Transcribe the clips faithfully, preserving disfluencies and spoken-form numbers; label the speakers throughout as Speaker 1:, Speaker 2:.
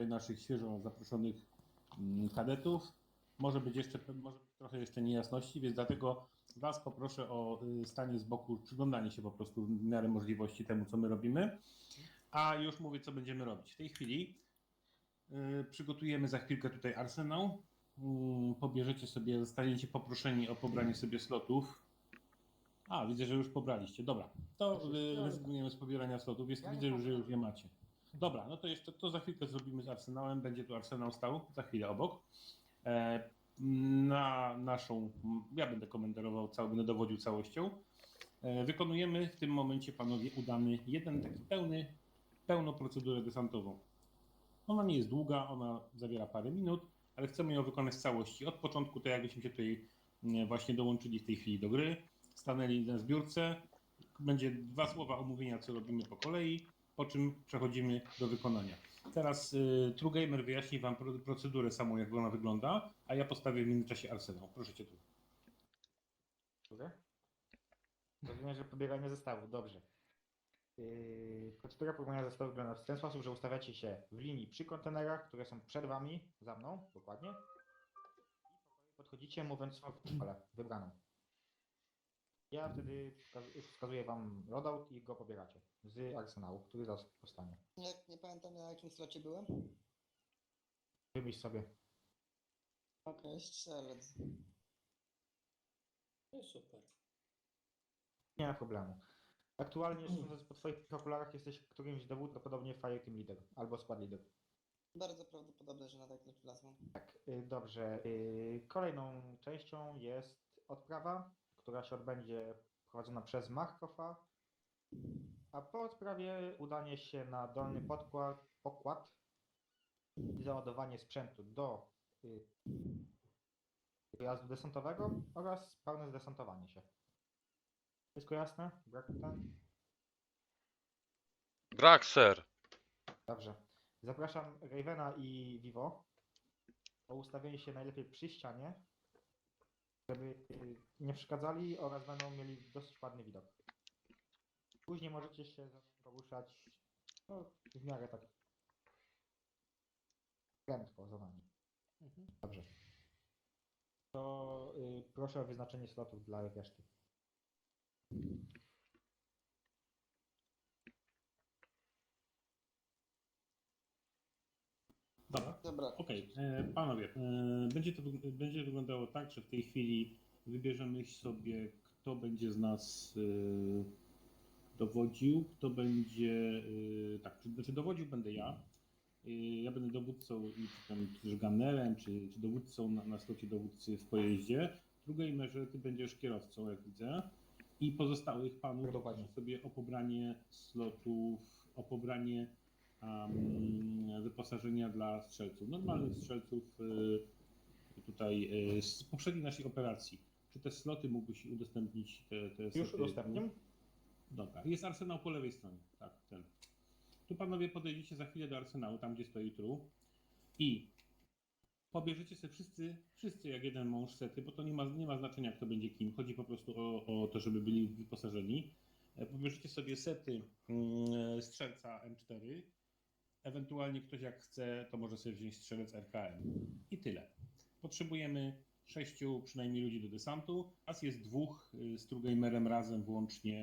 Speaker 1: naszych świeżo zaproszonych mm, kadetów. Może być jeszcze może być trochę jeszcze niejasności, więc dlatego Was poproszę o y, stanie z boku, przyglądanie się po prostu w miarę możliwości temu, co my robimy. A już mówię, co będziemy robić. W tej chwili y, przygotujemy za chwilkę tutaj arsenał. Y, pobierzecie sobie, zostaniecie poproszeni o pobranie sobie slotów. A, widzę, że już pobraliście. Dobra, to y, rezygnujemy z pobierania slotów. Jest, widzę, że już je macie. Dobra, no to jeszcze to za chwilkę zrobimy z arsenałem. Będzie tu arsenał stał za chwilę obok. E, na naszą, ja będę komenterował, cały, będę dowodził całością. E, wykonujemy w tym momencie, panowie, udany jeden taki pełny, pełną procedurę desantową. Ona nie jest długa, ona zawiera parę minut, ale chcemy ją wykonać w całości. Od początku, to jakbyśmy się tutaj właśnie dołączyli w tej chwili do gry, stanęli na zbiórce. Będzie dwa słowa omówienia, co robimy po kolei, po czym przechodzimy do wykonania. Teraz y, TrueGamer wyjaśni Wam procedurę samą, jak ona wygląda, a ja postawię w międzyczasie arsenał. Proszę Cię tu.
Speaker 2: Dobrze? Rozumiem, że pobieranie zestawów, dobrze. Yy, procedura pobierania zestawów wygląda w ten sposób, że ustawiacie się w linii przy kontenerach, które są przed Wami, za mną, dokładnie. I podchodzicie, mówiąc swoją wolę wybraną. Ja wtedy wskaz- wskazuję Wam loadout i go pobieracie z arsenału, który zaraz powstanie.
Speaker 3: Nie, nie pamiętam, na jakim slocie byłem.
Speaker 2: Wybierz sobie.
Speaker 3: Okej, strzelec.
Speaker 4: No super.
Speaker 2: Nie ma problemu. Aktualnie, sądząc po Twoich okularach, jesteś którymś dowód, prawdopodobnie Fire Team Leader albo Squad Leader.
Speaker 3: Bardzo prawdopodobne, że na takim wlazłem.
Speaker 2: Tak, y, dobrze. Y, Kolejną częścią jest odprawa, która się odbędzie prowadzona przez Markowa, a po odprawie udanie się na dolny podkład, pokład i załadowanie sprzętu do y, pojazdu desantowego oraz pełne zdesantowanie się. Wszystko jasne? Brak pytań?
Speaker 5: Brak, ser.
Speaker 2: Dobrze. Zapraszam Ravena i Vivo o ustawienie się najlepiej przy ścianie, żeby y, nie przeszkadzali oraz będą mieli dosyć ładny widok. Później możecie się za mną poruszać no, w miarę tak prędko za nami.
Speaker 1: Mhm.
Speaker 2: Dobrze. To y, proszę o wyznaczenie slotów dla reszty.
Speaker 1: Dobra.
Speaker 3: Dobra.
Speaker 1: Okej, e, panowie, e, będzie to wyg- będzie wyglądało tak, że w tej chwili wybierzemy sobie, kto będzie z nas e, dowodził, kto będzie, e, tak, czy- znaczy dowodził będę ja. E, ja będę dowódcą i czy tam też gunnerem, czy, czy dowódcą na, na slocie dowódcy w pojeździe. Drugiej merze ty będziesz kierowcą, jak widzę. I pozostałych panów
Speaker 2: Dokładnie.
Speaker 1: proszę sobie o pobranie slotów, o pobranie um, wyposażenia dla strzelców. Normalnych strzelców y, tutaj y, z poprzedniej naszej operacji. Czy te sloty mógłbyś udostępnić? Te, te
Speaker 2: Już
Speaker 1: sloty?
Speaker 2: udostępniam.
Speaker 1: Dobra, jest arsenał po lewej stronie. Tak, ten. Tu panowie podejdziecie za chwilę do arsenału, tam gdzie stoi tru i pobierzecie sobie wszyscy, wszyscy jak jeden mąż sety, bo to nie ma, nie ma znaczenia, kto będzie kim. Chodzi po prostu o, o to, żeby byli wyposażeni. E, Pobierzecie sobie sety mm, strzelca M cztery. Ewentualnie ktoś jak chce, to może sobie wziąć strzelec R K M. I tyle. Potrzebujemy sześciu przynajmniej ludzi do desantu. Nas jest dwóch y, z TrueGamerem razem włącznie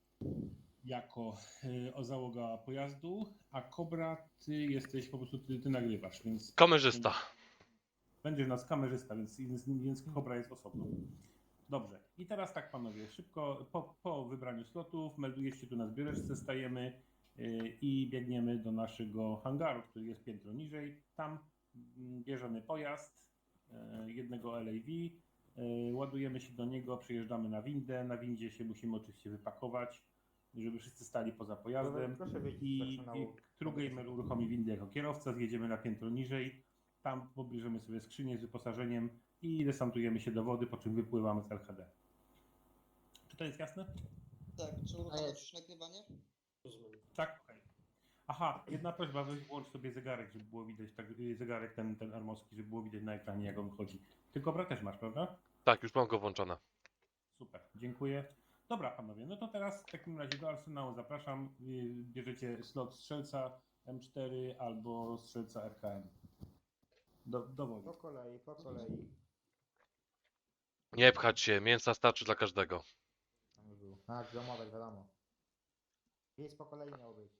Speaker 1: jako y, o załoga pojazdu, a Kobra, ty jesteś po prostu, ty, ty nagrywasz, więc
Speaker 5: Kamerzysta.
Speaker 1: będzie nas kamerzysta, więc, więc, więc Kobra jest osobno. Dobrze. I teraz tak, panowie, szybko po, po wybraniu slotów meldujecie się tu na zbioreczce, stajemy yy, i biegniemy do naszego hangaru, który jest piętro niżej. Tam mm, bierzemy pojazd yy, jednego L A V, yy, ładujemy się do niego, przejeżdżamy na windę. Na windzie się musimy oczywiście wypakować, żeby wszyscy stali poza pojazdem.
Speaker 2: Proszę wyjść z
Speaker 1: I, i
Speaker 2: arsenału.
Speaker 1: TrueGamer uruchomi windę jako kierowca, zjedziemy na piętro niżej. Tam pobierzemy sobie skrzynię z wyposażeniem i desantujemy się do wody, po czym wypływamy z L H D. Czy to jest jasne?
Speaker 3: Tak, czy uruchamiać już nagrywanie?
Speaker 4: Rozumiem.
Speaker 1: Tak, okej. Aha, jedna prośba, weź włącz sobie zegarek, żeby było widać, tak, y, zegarek ten, ten armowski, żeby było widać na ekranie, jak on chodzi. Ty Kobra też masz, prawda?
Speaker 5: Tak, już mam go włączone.
Speaker 1: Super, dziękuję. Dobra, panowie, no to teraz w takim razie do arsenału zapraszam. Y, Bierzecie slot strzelca, M cztery albo strzelca R K M. Do, dowoli.
Speaker 2: Po kolei, po kolei.
Speaker 5: Nie pchać się, mięsa starczy dla każdego.
Speaker 2: Tam już był. Tak, ziomować, wiadomo. Jest po kolei miał być.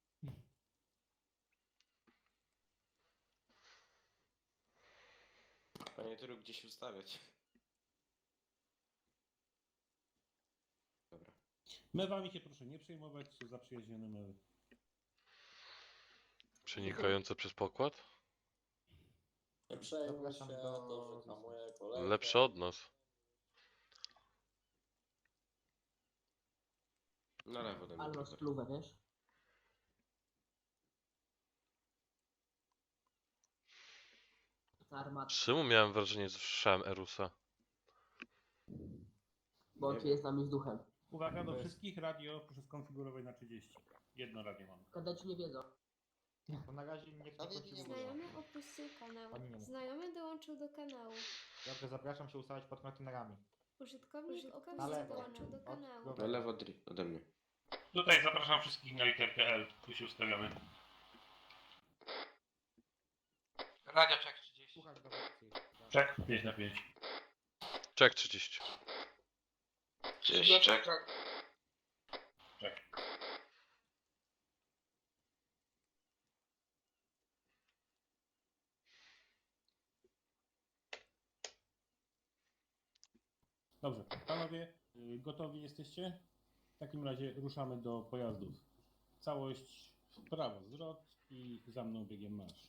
Speaker 4: Panie Turu, gdzie się ustawiać? Dobra.
Speaker 1: Mewami się proszę nie przejmować, są zaprzyjaźnione mewy.
Speaker 5: Przenikające przez pokład?
Speaker 6: Nie przejmuj się,
Speaker 2: Zapraszam do-
Speaker 6: dobrze hamuję kolejkę.
Speaker 5: Lepsze od nas.
Speaker 4: Na lewo ode mnie.
Speaker 7: Albo
Speaker 4: trochę.
Speaker 7: spluwę, wiesz? Ta armata,
Speaker 5: Czemu miałem wrażenie, że słyszałem Erusa?
Speaker 7: bo on tu jest z nami z duchem.
Speaker 1: Uwaga, do
Speaker 2: To jest-
Speaker 1: wszystkich radio proszę skonfigurować na trzydzieści. Jedno radio mam.
Speaker 7: Kadeci nie wiedzą.
Speaker 2: To na razie niech nie
Speaker 3: Prawie nie
Speaker 2: konfiguruje.
Speaker 8: Znajomy opuścił kanał.
Speaker 2: Pani nie mów.
Speaker 8: Znajomy dołączył do kanału.
Speaker 2: Dobrze, zapraszam się ustawiać pod kontenerami.
Speaker 8: Użytkownik
Speaker 2: Na
Speaker 8: opuścił
Speaker 2: lewo.
Speaker 8: dołączył do
Speaker 2: Od
Speaker 8: kanału.
Speaker 2: góry.
Speaker 4: Na lewo dri- ode mnie.
Speaker 1: Tutaj zapraszam wszystkich na literkę L. Tu się ustawiamy.
Speaker 9: Radio check trzydzieści.
Speaker 2: Słuchać dowódcy.
Speaker 1: Czek pięć na pięć.
Speaker 5: Czek trzydzieści.
Speaker 9: trzydzieści check.
Speaker 1: Czek. Dobrze, panowie, y, gotowi jesteście? W takim razie ruszamy do pojazdów. Całość w prawo zwrot i za mną biegiem marsz.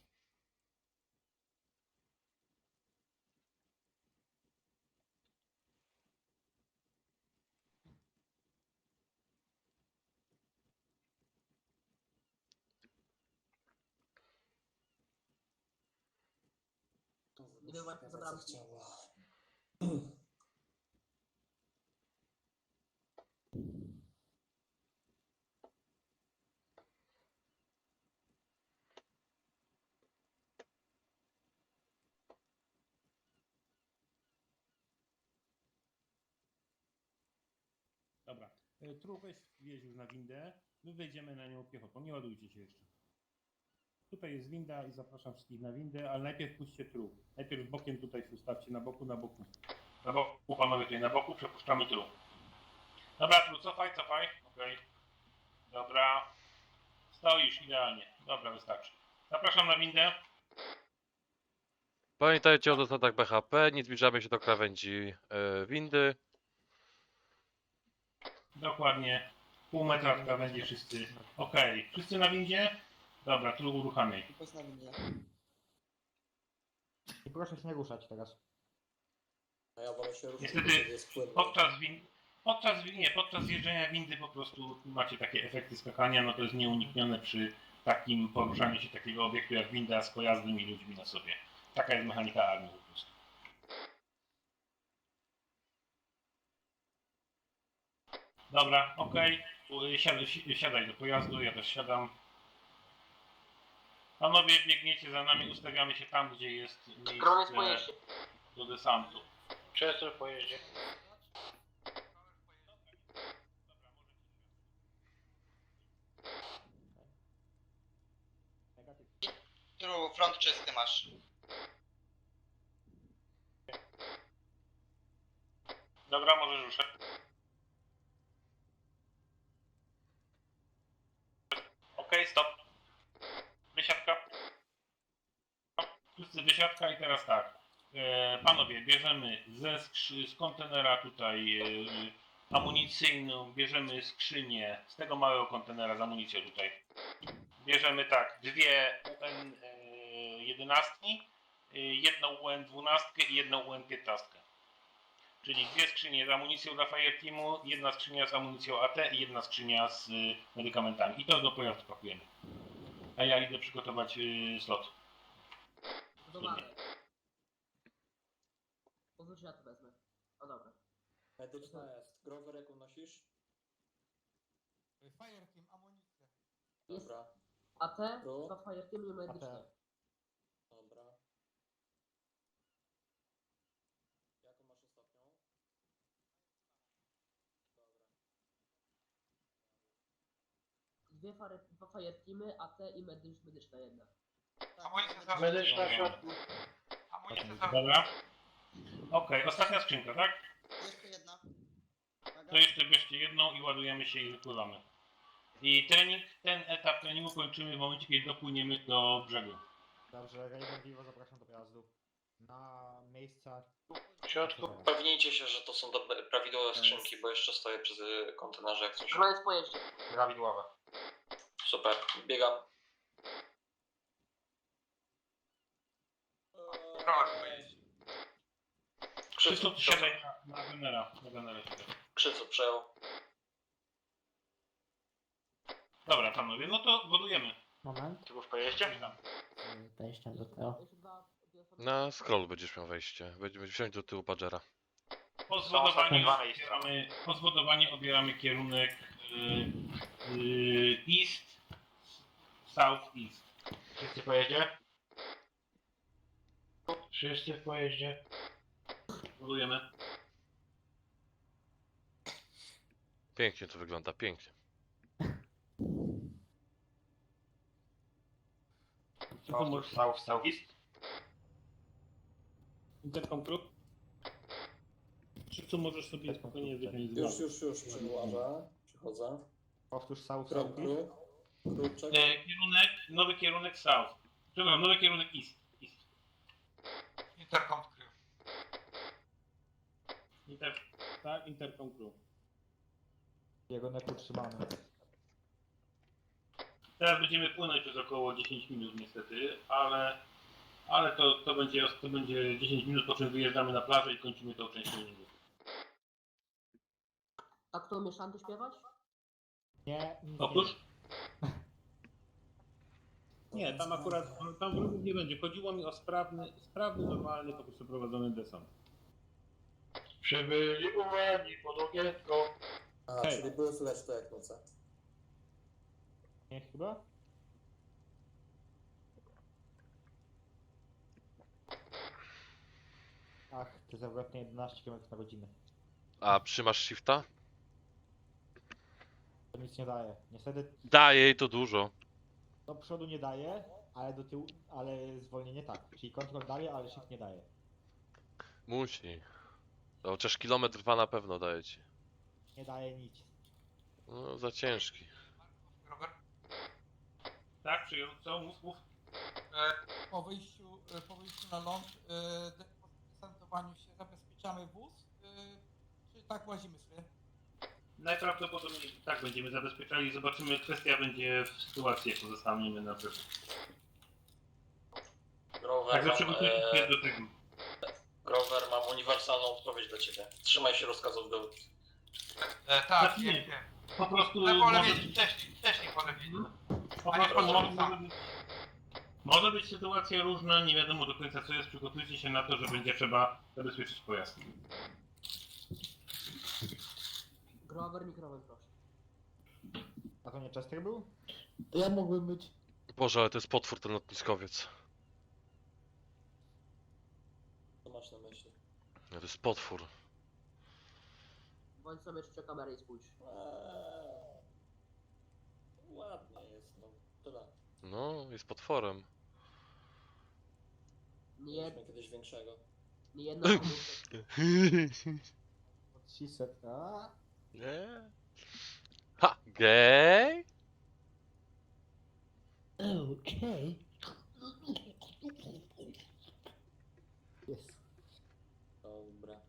Speaker 7: Gdyby właśnie zabrał.
Speaker 1: Dobra, y, Truch weź wjeźdź już na windę. My wejdziemy na nią piechotą, nie ładujcie się jeszcze. Tutaj jest winda i zapraszam wszystkich na windę, ale najpierw puśćcie truch. Najpierw bokiem tutaj się ustawcie, na boku, na boku. Na boku, panowie tutaj na boku, przepuszczamy truch. Dobra, truch, cofaj, cofaj. Okej. Dobra. Stoisz, idealnie. Dobra, wystarczy. Zapraszam na windę.
Speaker 5: Pamiętajcie o zasadach B H P, nie zbliżamy się do krawędzi e, windy.
Speaker 1: Dokładnie. Pół metra w krawędzi wszyscy. Okej. Wszyscy na windzie? Dobra, truch uruchamiaj.
Speaker 3: Tylko jest na windzie.
Speaker 2: I proszę się nie ruszać teraz.
Speaker 6: A ja wolę się ruszyć,
Speaker 1: Niestety,
Speaker 6: bo wtedy jest płynny.
Speaker 1: Podczas win... Podczas, wi- nie, podczas zjeżdżania windy po prostu macie takie efekty skakania, no to jest nieuniknione przy takim poruszaniu się takiego obiektu jak winda z pojazdem i ludźmi na sobie. Taka jest mechanika armii po prostu. Dobra, okej. Okay. Siadaj, si- siadaj do pojazdu, ja też siadam. Panowie, biegniecie za nami, ustawiamy się tam, gdzie jest
Speaker 7: Droniec
Speaker 1: miejsce
Speaker 7: pojeździe.
Speaker 1: do desantu.
Speaker 9: Często pojedzie.
Speaker 2: Negatyw.
Speaker 9: Tu front czysty masz.
Speaker 1: Dobra, możesz ruszać. Okej, stop. Wysiadka. Wszyscy wysiadka i teraz tak. E, panowie, bierzemy ze skrzy- z kontenera tutaj e, amunicyjną, bierzemy skrzynię z tego małego kontenera z amunicją tutaj. Bierzemy tak, dwie U N jedenaście, jedną U N dwanaście i jedną U N piętnaście. Czyli dwie skrzynie z amunicją dla Fireteamu, jedna skrzynia z amunicją A T i jedna skrzynia z y, medykamentami. I to do pojazdu pakujemy. A ja idę przygotować y, slot.
Speaker 7: Zobaczę. Pozwól, że ja to wezmę. O dobra.
Speaker 6: Medyczna jest. Grover, jaką nosisz?
Speaker 9: Fireteam, amunicję.
Speaker 7: Jest
Speaker 6: Dobra,
Speaker 7: A T,
Speaker 6: Pro.
Speaker 7: dwa Fireteamy i medyczne.
Speaker 2: A T.
Speaker 6: dobra. Jaką masz ostatnią? Dobra.
Speaker 7: Dwie dwie, fary, dwa fire teamy, A T i medycz, medyczna jedna.
Speaker 9: Amunicja za...
Speaker 3: Medyczna
Speaker 9: w środku. Amunicja za...
Speaker 1: Dobra. Okej, ostatnia skrzynka, tak?
Speaker 3: Jeszcze jedna. Uwaga.
Speaker 1: To jeszcze bierzcie jedną i ładujemy się i wypływamy. I trening, ten etap treningu kończymy w momencie, kiedy dopłyniemy do brzegu.
Speaker 2: Dobrze, Raven Vivo zapraszam do pojazdu. Na miejsca...
Speaker 9: W środku.
Speaker 6: Upewnijcie się, że to są dobre, prawidłowe skrzynki, bo jeszcze stoję przy y, kontenerze jak coś.
Speaker 7: Trzymając pojeździe.
Speaker 2: Prawidłowe.
Speaker 6: Super, biegam.
Speaker 1: Krzysztof,
Speaker 6: Krzysztof,
Speaker 1: siadaj na, na genera. Na genera siadaj.
Speaker 6: Krzysztof przejął.
Speaker 1: Dobra, panowie, no to wodujemy.
Speaker 3: Moment.
Speaker 9: Ty był w pojeździe?
Speaker 3: Wejścia do tego.
Speaker 7: Jeszcze dwa, dwie osoby.
Speaker 5: Na scroll będziesz miał wejście. Będziemy wsiąść do tyłu Pagera.
Speaker 1: Po
Speaker 9: ostatnie
Speaker 1: zwodowaniu
Speaker 9: dwa miejsca.
Speaker 1: obieramy, po zwodowaniu obieramy kierunek y, y, east, south east.
Speaker 9: Wszyscy w pojeździe? Wszyscy w pojeździe.
Speaker 1: Wodujemy.
Speaker 5: Pięknie to wygląda, pięknie.
Speaker 1: Co tu możesz?
Speaker 9: South, south east.
Speaker 1: Intercom Crew? Czy tu możesz sobie spokojnie wyjąć z
Speaker 6: Już,
Speaker 1: głowy?
Speaker 6: już, już przyłażę. Przychodzę.
Speaker 2: Powtórz South
Speaker 6: Kru,
Speaker 2: South
Speaker 6: kru. Kruczek.
Speaker 1: E, kierunek, nowy kierunek south. Przepraszam, nowy kierunek east. east.
Speaker 9: Intercom Crew.
Speaker 1: Inter, tak, Intercom Crew.
Speaker 2: Jego nek utrzymany.
Speaker 1: Teraz będziemy płynąć przez około dziesięć minut niestety, ale, ale to, to, będzie, to będzie dziesięć minut, po czym wyjeżdżamy na plażę i kończymy tą część treningu.
Speaker 7: A kto umie szanty śpiewać?
Speaker 2: Nie, nic
Speaker 1: Otóż? Nie, tam akurat, tam wrogów nie będzie. Chodziło mi o sprawny, sprawny, normalny, po prostu prowadzony desant.
Speaker 9: Przybyli uwagi pod okienko.
Speaker 6: A,
Speaker 1: Hej.
Speaker 6: czyli było słychać to jak noce.
Speaker 2: nie. Nie chyba? Ach, ty zawrotnie jedenaście kilometrów na godzinę.
Speaker 5: A trzymasz shifta?
Speaker 2: To nic nie daje. Niestety
Speaker 5: Daje jej to dużo.
Speaker 2: do przodu nie daje, ale do tyłu, ale zwolnienie tak. Czyli kontrol daje, ale shift nie daje.
Speaker 5: Musi. No, chociaż kilometr dwa na pewno daje ci.
Speaker 2: Nie daje nic.
Speaker 5: No, za ciężki.
Speaker 9: Robert?
Speaker 1: Tak, przyjął, co? Mów, mów.
Speaker 10: Po wyjściu, e, po wyjściu na ląd, e, de- po desantowaniu się zabezpieczamy wóz, e, czy tak łazimy sobie?
Speaker 1: Najprawdopodobniej tak będziemy zabezpieczali. Zobaczymy, kwestia będzie w sytuacji, jak pozostaniemy na brzegu.
Speaker 6: Grover,
Speaker 1: Także
Speaker 6: mam,
Speaker 1: przygotujcie
Speaker 6: e,
Speaker 1: się do tego.
Speaker 6: Grover, mam uniwersalną odpowiedź dla ciebie. Trzymaj się rozkazów do...
Speaker 9: E, tak,
Speaker 1: Znaczy
Speaker 9: wiem,
Speaker 1: nie.
Speaker 9: wiem.
Speaker 1: Po prostu
Speaker 9: Ale wolę
Speaker 1: może,
Speaker 9: wiedzieć wcześniej, wcześniej wolę wiedzieć.
Speaker 1: po
Speaker 9: Panie
Speaker 1: prostu
Speaker 9: profesorze,
Speaker 1: może,
Speaker 9: tak.
Speaker 1: może, być, może być sytuacja różna, nie wiadomo do końca co jest. Przygotujcie się na to, że będzie trzeba zabezpieczyć pojazd.
Speaker 7: Grover, mikrofon proszę.
Speaker 2: A to nie Chester był?
Speaker 3: To ja mógłbym być.
Speaker 5: Boże, ale to jest potwór ten lotniskowiec.
Speaker 6: Co masz na myśli?
Speaker 5: No, to jest potwór.
Speaker 7: Bądź sobie jeszcze kamerę i spójrz.
Speaker 6: Eee, ładnie jest, no. Tyle.
Speaker 5: No, jest potworem.
Speaker 7: Nie, jed,
Speaker 6: Mieliśmy kiedyś większego.
Speaker 7: nie jedna komórka.
Speaker 2: Od trzyset, a?
Speaker 5: Nie? Ha! Gej?
Speaker 3: Okej.
Speaker 2: Jest.
Speaker 6: Dobra.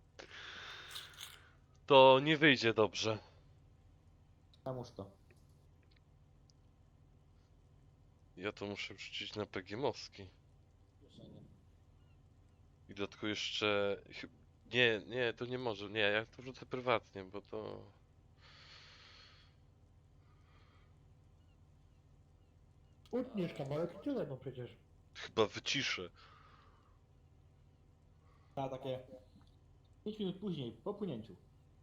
Speaker 5: To nie wyjdzie dobrze.
Speaker 2: Czemu to?
Speaker 5: Ja to muszę wrzucić na P G Moski.
Speaker 6: Kieszenie.
Speaker 5: I do tego jeszcze... chy- Nie, nie, to nie może. Nie, ja to wrzucę prywatnie, bo to...
Speaker 3: Utniesz kawałek i tyle, no przecież.
Speaker 5: Chyba wyciszę.
Speaker 2: A takie pięć minut później, po płynięciu.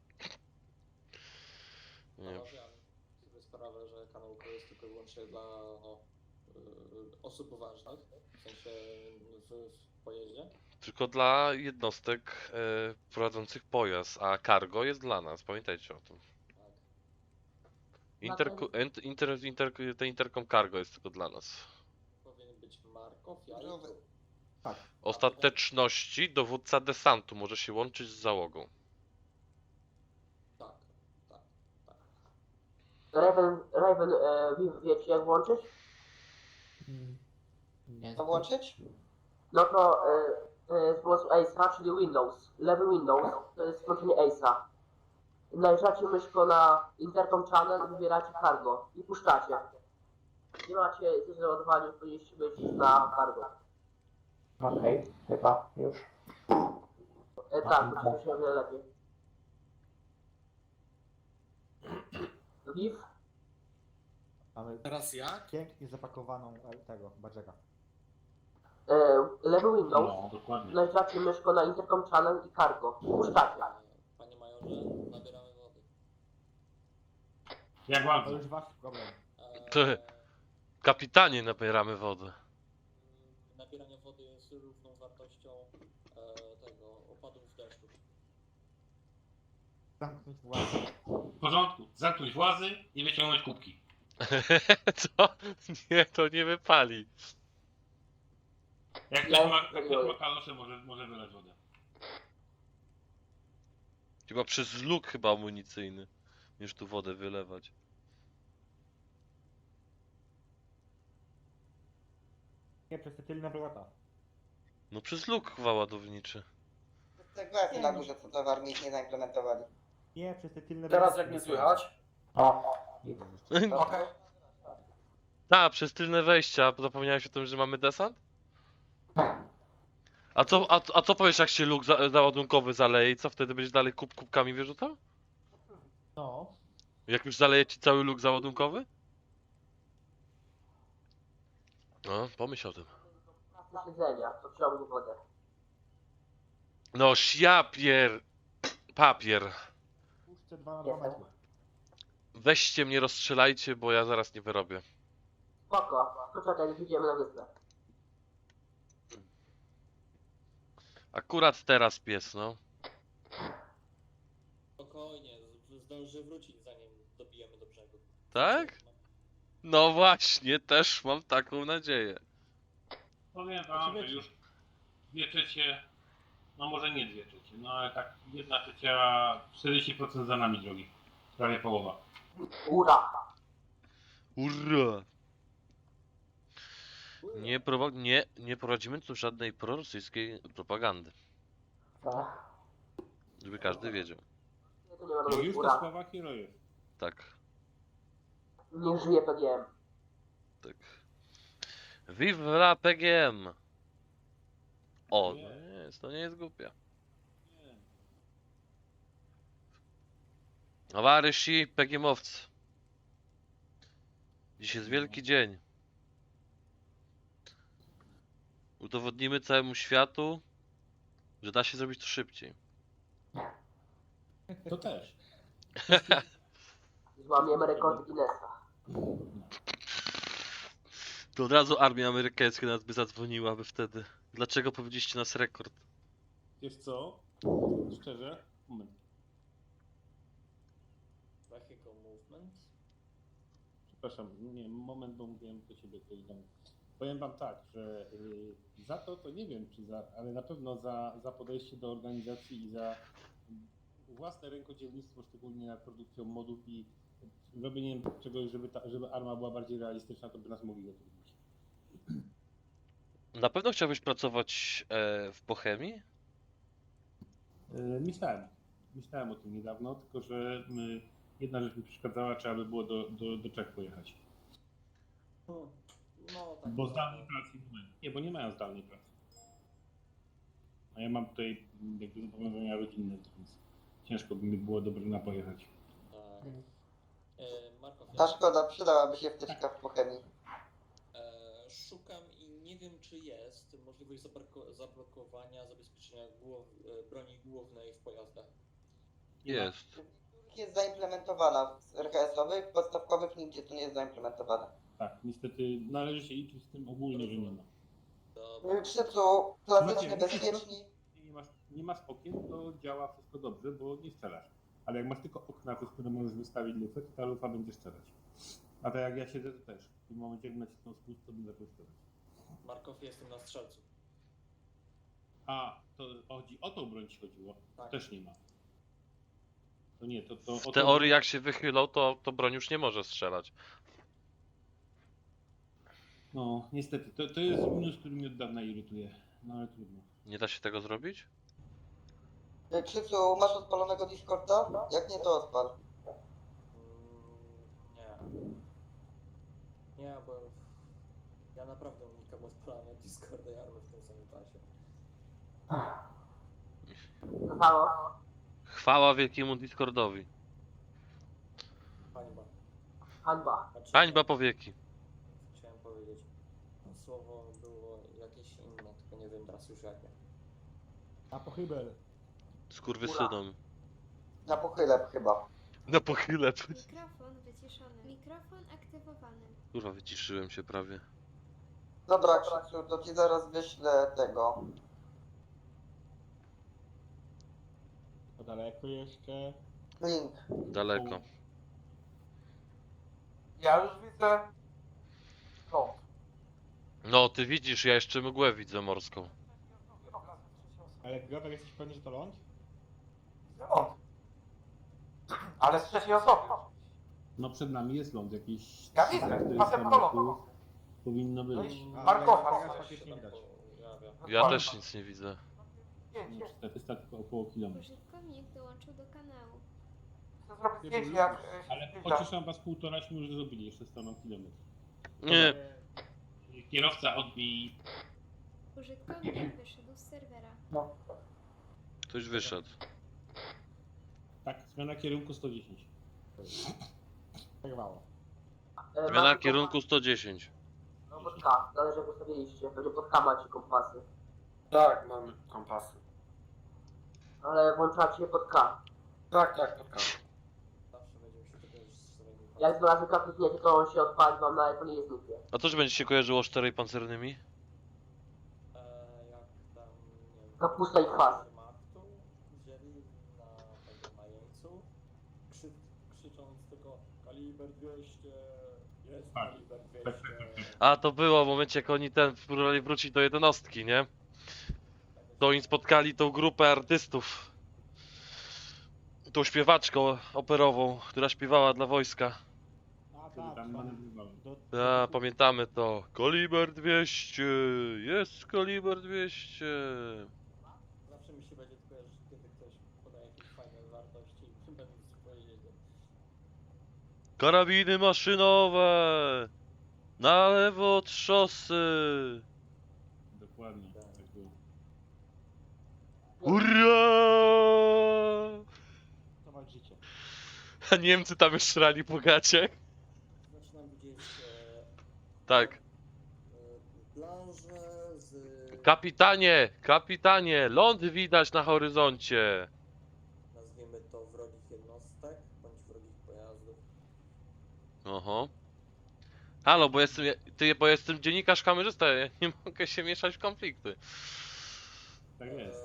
Speaker 5: Nie.
Speaker 6: Panowie, ale sobie sprawę, że kanał to jest tylko i wyłącznie dla no, y, osób ważnych, w sensie w, w pojeździe.
Speaker 5: Tylko dla jednostek e, prowadzących pojazd, a cargo jest dla nas, pamiętajcie o tym.
Speaker 6: Tak.
Speaker 5: Interko, ent, inter, inter, ten interkom cargo jest tylko dla nas.
Speaker 6: Powinien być Markow, ja i
Speaker 10: Dobra.
Speaker 6: tu.
Speaker 2: Tak.
Speaker 5: Ostateczności dowódca desantu może się łączyć z załogą.
Speaker 6: Tak, tak, tak.
Speaker 7: Raven, Raven, e, Viv, wiecie jak włączyć?
Speaker 3: Mm, Nie
Speaker 10: To włączyć?
Speaker 7: No to e, e, z pomocy Ace'a, czyli Windows, lewy Windows, to jest włączenie Ace'a. Najeżdżacie myszką na Intercom Channel, wybieracie cargo i puszczacie. Nie macie coś załadowania, powinniście być na cargo.
Speaker 3: Okej, chyba już.
Speaker 7: E, tak, puszczacie się o wiele lepiej. Viv,
Speaker 2: Mamy
Speaker 6: Teraz jak?
Speaker 2: pięknie zapakowaną e, tego, badżera.
Speaker 7: e, lewy Windows,
Speaker 1: No, dokładnie.
Speaker 7: najeżdżacie myszką na Intercom Channel i cargo. Puszczacie.
Speaker 6: Panie majorze, nabieramy wody.
Speaker 1: Jak
Speaker 2: To
Speaker 1: bardzo?
Speaker 2: już wasz problem.
Speaker 6: Eee,
Speaker 5: Ty. Kapitanie, nabieramy wody.
Speaker 6: Nabieranie wody jest równą wartością e, tego opadów deszczu.
Speaker 2: Zamknąć własne.
Speaker 1: W porządku. Zamknąć włazy i wyciągnąć kubki.
Speaker 5: Co? Nie, to nie wypali.
Speaker 1: Jak
Speaker 7: Ja
Speaker 1: ktoś ma,
Speaker 7: już
Speaker 1: jak ktoś ma kalosze, może, może wylać wodę.
Speaker 5: Chyba przez luk chyba amunicyjny, niż tu wodę wylewać.
Speaker 2: Nie, przez te tylne wrota.
Speaker 5: No przez luk chyba ładowniczy.
Speaker 10: Tak właśnie na górze, co to w armii nie zaimplementowali.
Speaker 2: Nie, przez te tylne
Speaker 6: Teraz
Speaker 2: wrota.
Speaker 6: jak mnie słychać?
Speaker 3: O,
Speaker 10: Okej.
Speaker 5: Tak, przez tylne wejścia. Zapomniałeś o tym, że mamy desant? A co, a, a co powiesz, jak się luk za, załadunkowy zaleje i co wtedy będziesz dalej kub, kubkami wyrzucał?
Speaker 2: No.
Speaker 5: Jak już zaleje ci cały luk załadunkowy? No, pomyśl o tym.
Speaker 7: Na siedzenia, to ciągnie wodę.
Speaker 5: No, siapier... Papier.
Speaker 2: Puszczę dwa na dwa metry.
Speaker 5: Weźcie mnie, rozstrzelajcie, bo ja zaraz nie wyrobię.
Speaker 7: Spoko, poczekaj, idziemy na wyspę.
Speaker 5: Akurat teraz pies, no.
Speaker 6: Spokojnie, z- zdąży wrócić zanim dobijemy do brzegu.
Speaker 5: Tak? No właśnie, też mam taką nadzieję.
Speaker 1: Powiem wam, że już dwie trzecie, no może nie dwie trzecie, no ale tak jedna trzecia, czterdzieści procent za nami drogi. Prawie połowa.
Speaker 7: Ura!
Speaker 5: Urra! Nie, prowa- nie, nie prowadzimy tu żadnej prorosyjskiej propagandy.
Speaker 3: tak.
Speaker 5: Żeby każdy wiedział.
Speaker 7: Nie, to nie ma
Speaker 1: No
Speaker 7: robić
Speaker 1: już to
Speaker 7: ura.
Speaker 1: słowa herojów.
Speaker 5: Tak,
Speaker 7: Nie żyje P G M.
Speaker 5: tak. Vive la P G M! O,
Speaker 1: Nie.
Speaker 5: no nie jest, to nie jest głupia.
Speaker 1: Nie.
Speaker 5: Towarzyszy P G M-owcy. Dziś jest wielki dzień. Udowodnimy całemu światu, że da się zrobić to szybciej.
Speaker 1: To też.
Speaker 7: Złamiemy rekord Guinnessa.
Speaker 5: To od razu armia amerykańska nas by zadzwoniła by wtedy. Dlaczego powiedzieliście nas rekord?
Speaker 1: Wiesz co? Szczerze? Moment.
Speaker 6: Vehicle movement.
Speaker 1: Przepraszam, nie, moment, bo mówiłem do siebie coś tam. Powiem wam tak, że y, za to, to nie wiem, czy za, ale na pewno za, za podejście do organizacji i za własne rękodzielnictwo, szczególnie nad produkcją modów i robieniem czegoś, żeby, ta, żeby arma była bardziej realistyczna, to by nas mogli zatrudnić.
Speaker 5: Na pewno chciałbyś pracować e, w Bohemii?
Speaker 1: Y, myślałem, myślałem o tym niedawno, tylko że y, jedna rzecz mi przeszkadzała, trzeba by było do, do, do Czech pojechać.
Speaker 6: Hmm. No tak.
Speaker 1: Bo zdalnej pracy nie mają. Nie, bo nie mają zdalnej pracy. A ja mam tutaj mm, jakby zobowiązania rodzinne, więc ciężko by mi było do Brna pojechać.
Speaker 6: Tak. E, Markow,
Speaker 10: Ta
Speaker 6: ja
Speaker 10: szkoda, przydałaby się wtyczka w chemii.
Speaker 6: e, szukam i nie wiem, czy jest możliwość zabrako- zablokowania zabezpieczenia głow, e, broni głównej w pojazdach.
Speaker 1: Nie ma.
Speaker 5: Jest.
Speaker 10: Jest zaimplementowana w R H S-owych, podstawkowych nigdzie to nie jest zaimplementowane.
Speaker 1: Tak, niestety należy się liczyć z tym ogólnie, że nie ma.
Speaker 6: Dobra.
Speaker 10: Krzycu, klasycznie
Speaker 1: Macie-
Speaker 10: bezpieczni.
Speaker 1: Nie masz, nie masz okien, to działa wszystko dobrze, bo nie strzelasz. Ale jak masz tylko okna, przez które możesz wystawić lufę, to ta lufa będzie strzelać. A tak jak ja siedzę, to też. W tym momencie, jak nacisnął spust, to będę strzelać.
Speaker 6: Markow, jestem na strzelcu.
Speaker 1: A, to chodzi o tą broń ci chodziło?
Speaker 6: Tak.
Speaker 1: Też nie ma. To nie, to... to o
Speaker 5: W
Speaker 1: tą
Speaker 5: teorii
Speaker 1: broń-
Speaker 5: jak się wychylą, to, to broń już nie może strzelać.
Speaker 1: No, niestety, to, to jest minus, który mnie od dawna irytuje. No ale trudno.
Speaker 5: Nie da się tego zrobić?
Speaker 11: Krzysiu, masz odpalonego Discorda? Jak nie, to odpal.
Speaker 6: Mm, nie. Nie, bo ja naprawdę unikam odpalania Discorda i Army w tym samym czasie.
Speaker 7: Zostało.
Speaker 5: Chwała wielkiemu Discordowi.
Speaker 6: Hańba.
Speaker 7: Hańba.
Speaker 6: Znaczy,
Speaker 5: Hańba po wieki.
Speaker 6: Chciałem powiedzieć. Słowo było jakieś inne, tylko nie wiem teraz już jakie.
Speaker 2: A pochybel.
Speaker 5: Skurwysynom.
Speaker 11: Na pochylę chyba.
Speaker 5: Na pochylę.
Speaker 8: Mikrofon wyciszony. Mikrofon aktywowany.
Speaker 5: Kurwa, wyciszyłem się prawie.
Speaker 11: Dobra, Krzysiu, to ci zaraz wyślę tego.
Speaker 2: To daleko jeszcze.
Speaker 11: Link.
Speaker 5: Daleko.
Speaker 10: Ja już widzę. No.
Speaker 5: No, ty widzisz, ja jeszcze mgłę widzę morską.
Speaker 2: Ale Grover, jesteś pewny, że to ląd?
Speaker 10: No. Ale z trzeciej osoby.
Speaker 1: No przed nami jest ląd, jakiś...
Speaker 10: Ja widzę,
Speaker 1: czterysta
Speaker 10: pasem
Speaker 1: metrów
Speaker 10: kolor.
Speaker 1: powinno być.
Speaker 2: A,
Speaker 10: Markowa.
Speaker 2: ale teraz faktycznie widać.
Speaker 5: Ja też nic nie widzę.
Speaker 1: No, czterysta tylko około kilometra.
Speaker 8: Użytkownik dołączył do kanału.
Speaker 10: Chcę zrobić zdjęcie jak e, się
Speaker 1: Ale
Speaker 10: zbliża.
Speaker 1: pocieszam was, półtoraśmy już zrobili, jeszcze staną kilometr.
Speaker 5: Nie,
Speaker 1: Kierowca odbij.
Speaker 8: Użytkownik wyszedł z serwera.
Speaker 5: ktoś wyszedł.
Speaker 1: Tak, zmiana kierunku sto dziesięć.
Speaker 2: Przerwało.
Speaker 7: E,
Speaker 5: Zmiana
Speaker 7: macie
Speaker 5: kierunku sto dziesięć.
Speaker 7: kompas- No pod K, zależy jak ustawiliście. Pewnie pod K macie kompasy.
Speaker 6: Tak, mamy kompasy.
Speaker 7: Ale włączacie pod K.
Speaker 6: Tak, tak, spotkałem. Zawsze będziemy się tego z
Speaker 7: Jak dwa razy K klikniecie, to on się odpali wam na ekranie jest niknie.
Speaker 5: A to, że będzie się kojarzyło z czterej pancernymi?
Speaker 6: E, jak tam, nie wiem...
Speaker 7: Kapusta i kwas.
Speaker 6: Martu wzięli na tego na jeńcu, krzy, krzycząc tylko kaliber dwieście, jest
Speaker 1: Tak.
Speaker 6: kaliber
Speaker 1: Tak,
Speaker 6: dwieście.
Speaker 1: tak, tak, tak.
Speaker 5: A, to było w momencie, jak oni ten próbowali wrócić do jednostki, nie? To oni spotkali tą grupę artystów. Tą śpiewaczkę operową, która śpiewała dla wojska.
Speaker 2: A,
Speaker 1: Który
Speaker 2: tak,
Speaker 1: tam
Speaker 2: tam.
Speaker 1: manewrował.
Speaker 2: Do,
Speaker 5: Ja, pamiętamy to. Kaliber dwieście, jest kaliber dwieście.
Speaker 6: Zawsze mi się będzie kojarzyć, kiedy ktoś podaje jakieś fajne wartości i będę coś powiedzieć.
Speaker 5: Karabiny maszynowe! Na lewo od szosy!
Speaker 1: Dokładnie, tak było.
Speaker 5: Hurra!
Speaker 2: to walczycie.
Speaker 5: A Niemcy tam już szrali po gaciach?
Speaker 6: Zaczynam widzieć
Speaker 5: Tak.
Speaker 6: e, planże z...
Speaker 5: Kapitanie, kapitanie, ląd widać na horyzoncie.
Speaker 6: nazwijmy to wrogich jednostek, bądź wrogich pojazdów.
Speaker 5: Oho. Halo, bo jestem, ty, bo jestem dziennikarz kamerzysta, ja nie mogę się mieszać w konflikty.
Speaker 1: Tak jest.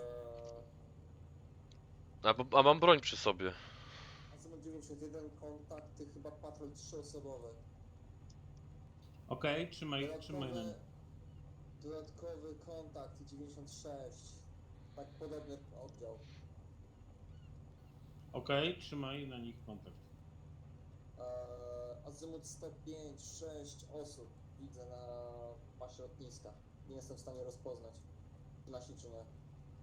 Speaker 6: Eee,
Speaker 5: A, bo- a mam broń przy sobie.
Speaker 6: Azymut dziewięćdziesiąt jeden, kontakty, chyba patrol trzyosobowy.
Speaker 1: Okej, trzymaj, trzymaj nam.
Speaker 6: Dodatkowy kontakt dziewięćdziesiąt sześć. Tak podobny oddział.
Speaker 1: Okej, trzymaj na nich kontakt.
Speaker 6: Eee, Azymut sto pięć, sześć osób widzę na pasie lotniska. Nie jestem w stanie rozpoznać. Nasi czy nie.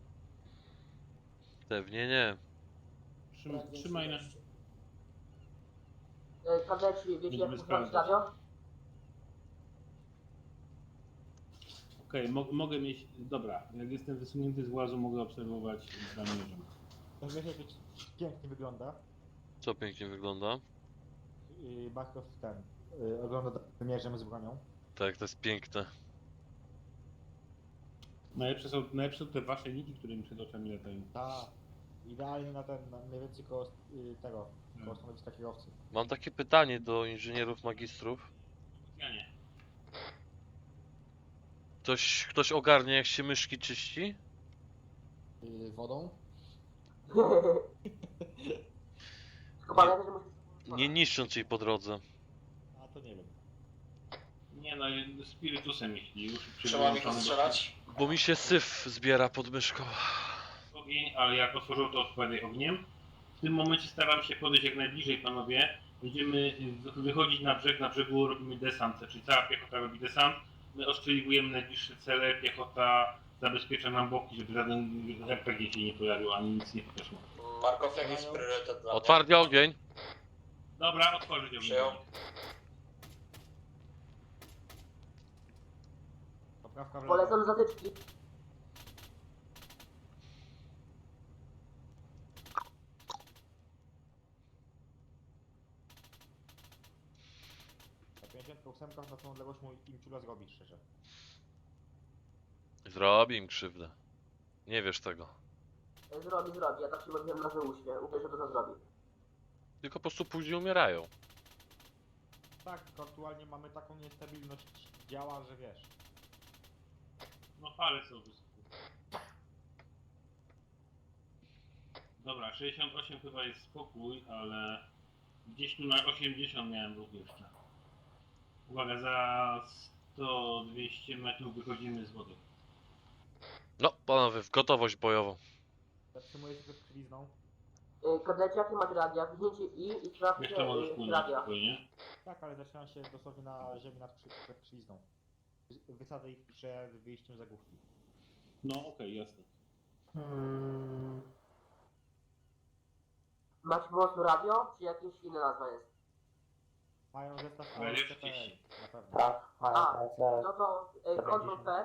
Speaker 5: Pewnie nie.
Speaker 1: Trzym,
Speaker 6: Brak
Speaker 1: trzymaj na...
Speaker 6: większej ilości.
Speaker 7: E, Kadeci, wiecie
Speaker 1: Będziemy
Speaker 7: jak ustawić
Speaker 1: sprawdzać.
Speaker 7: radio?
Speaker 1: Okej, mo mogę mieć... Dobra, jak jestem wysunięty z włazu, mogę obserwować zamierzam.
Speaker 2: To wiecie, jak to pięknie wygląda.
Speaker 5: Co pięknie wygląda.
Speaker 2: Yy, Barkow ten. Yy, ogląda wymierzem z bronią.
Speaker 5: Tak, to jest piękne.
Speaker 1: Najlepsze są, najlepsze są te wasze niki, które mi przed oczami latają.
Speaker 2: Tak. Idealnie na ten, na mniej więcej koło yy, tego, koło stanowiska kierowcy.
Speaker 5: Mam takie pytanie do inżynierów magistrów.
Speaker 1: Ja nie.
Speaker 5: Ktoś, ktoś ogarnie, jak się myszki czyści?
Speaker 2: Yy, wodą.
Speaker 7: Tylko pamiętaj, że musisz...
Speaker 5: Nie niszcząc jej po drodze.
Speaker 2: A to nie wiem.
Speaker 1: Nie no, spirytusem jeśli już przy
Speaker 6: Trzeba mi go
Speaker 1: wyłączonym
Speaker 6: strzelać?
Speaker 5: Bo mi się syf zbiera pod myszką.
Speaker 1: ogień, ale jak otworzył to odpowiadaj ogniem. W tym momencie staram się podejść jak najbliżej, panowie. Będziemy wy- wychodzić na brzeg, na brzegu robimy desant, czyli cała piechota robi desant. My ostrzeliwujemy najbliższe cele, piechota zabezpiecza nam boki, żeby żaden R P G się nie pojawił, ani nic nie podeszło.
Speaker 6: Markow, jaki jest priorytet dla mnie?
Speaker 5: Otwarty ogień.
Speaker 1: Dobra, otworzyć ogień.
Speaker 6: Przyjął.
Speaker 2: Poprawka w lewo.
Speaker 7: Polecam zatyczki.
Speaker 2: Na pięćdziesiąt osiem na tą odległość mój Imciula zrobi szczerze.
Speaker 5: Zrobi im krzywdę. Nie wiesz tego.
Speaker 7: Zrobi, zrobi. Ja tak się modliłem na wyuśnie. Uwierzę, że to zrobi.
Speaker 5: Tylko po prostu później umierają.
Speaker 2: Tak, tylko aktualnie mamy taką niestabilność działa, że wiesz.
Speaker 1: No fale są wysoko. Dobra, sześćdziesiąt osiem chyba jest spokój, ale gdzieś tu na osiemdziesiąt miałem ruch jeszcze. Uwaga, za sto dwieście metrów wychodzimy z wody.
Speaker 5: No, panowie, w gotowość bojową.
Speaker 2: Zatrzymuję się przed krwizną.
Speaker 7: Yy, Kadlecie, jakie macie radia? Wzięcie I i sprawdźcie
Speaker 1: Jeszcze możesz
Speaker 7: yy,
Speaker 1: płynąć
Speaker 7: radia.
Speaker 1: spokojnie.
Speaker 2: Tak, ale zaczynam się dosłownie na ziemi nad krzy- przed krwizną. Wy- Wysadzę ich przed wyjściem z zagłówki.
Speaker 1: No okej, jasne.
Speaker 3: Hmm.
Speaker 7: Macie po prostu radio, czy jakieś inna nazwa jest?
Speaker 2: Mają zestaw
Speaker 1: Ale
Speaker 2: C
Speaker 1: jest
Speaker 2: P L,
Speaker 1: gdzieś.
Speaker 2: na pewno.
Speaker 3: Tak, mają
Speaker 7: A,
Speaker 3: P C.
Speaker 7: No to yy, Ctrl P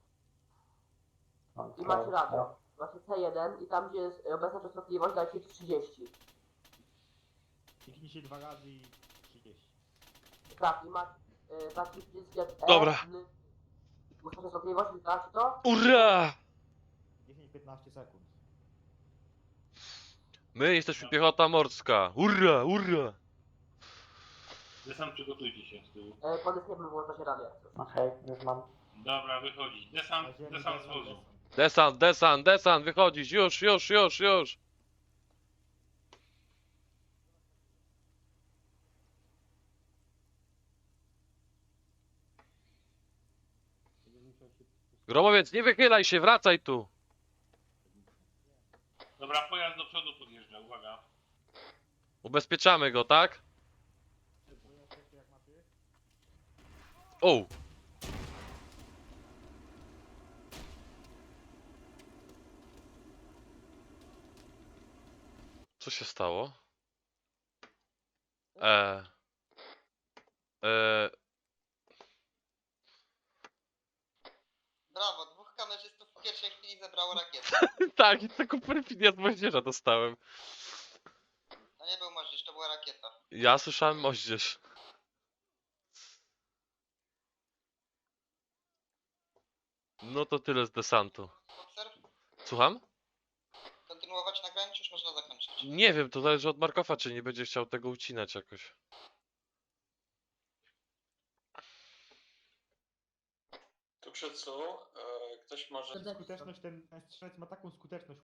Speaker 7: i
Speaker 3: Ctrl
Speaker 7: macie
Speaker 3: C.
Speaker 7: radio. Macie C jeden i tam gdzie jest obecna częstotliwość dajcie trzydzieści.
Speaker 2: Kliknij się dwa razy i trzydzieści.
Speaker 7: Tak, i macie yy, taki przycisk jak E,
Speaker 5: Dobra.
Speaker 7: N. Ustawić częstotliwość, wystacie to?
Speaker 5: Ura!
Speaker 2: dziesięć piętnaście sekund.
Speaker 5: My jesteśmy piechota morska. Ura, ura!
Speaker 1: Desant, przygotujcie się z tyłu.
Speaker 7: Yy, Podesniemy włącza się radio.
Speaker 3: Okej, już mam.
Speaker 1: Dobra, wychodzić.
Speaker 2: Na
Speaker 1: Desant,
Speaker 2: ziemi
Speaker 1: desant z
Speaker 2: desant,
Speaker 1: wozu.
Speaker 2: desant.
Speaker 5: Desant, desant, desant, wychodzić, już, już, już, już. Gromowiec, nie wychylaj się, wracaj tu.
Speaker 1: Dobra, pojazd do przodu podjeżdża, uwaga.
Speaker 5: Ubezpieczamy go, tak? O! Co się stało? Eee. Eee.
Speaker 11: Brawo, dwóch kamerzystów w pierwszej chwili zebrało rakietę.
Speaker 5: Tak, i taką perfidię z moździerza dostałem.
Speaker 11: To nie był moździerz, to była rakieta.
Speaker 5: Ja słyszałem moździerz. No to tyle z desantu.
Speaker 11: Obserw,
Speaker 5: Słucham?
Speaker 11: kontynuować nagranie, czy już można zakończyć?
Speaker 5: Nie wiem, to zależy od Markowa, czy nie będzie chciał tego ucinać jakoś.
Speaker 6: Tu przy cu, e, ktoś może...
Speaker 2: Skuteczność, ten, ten strzelec ma taką skuteczność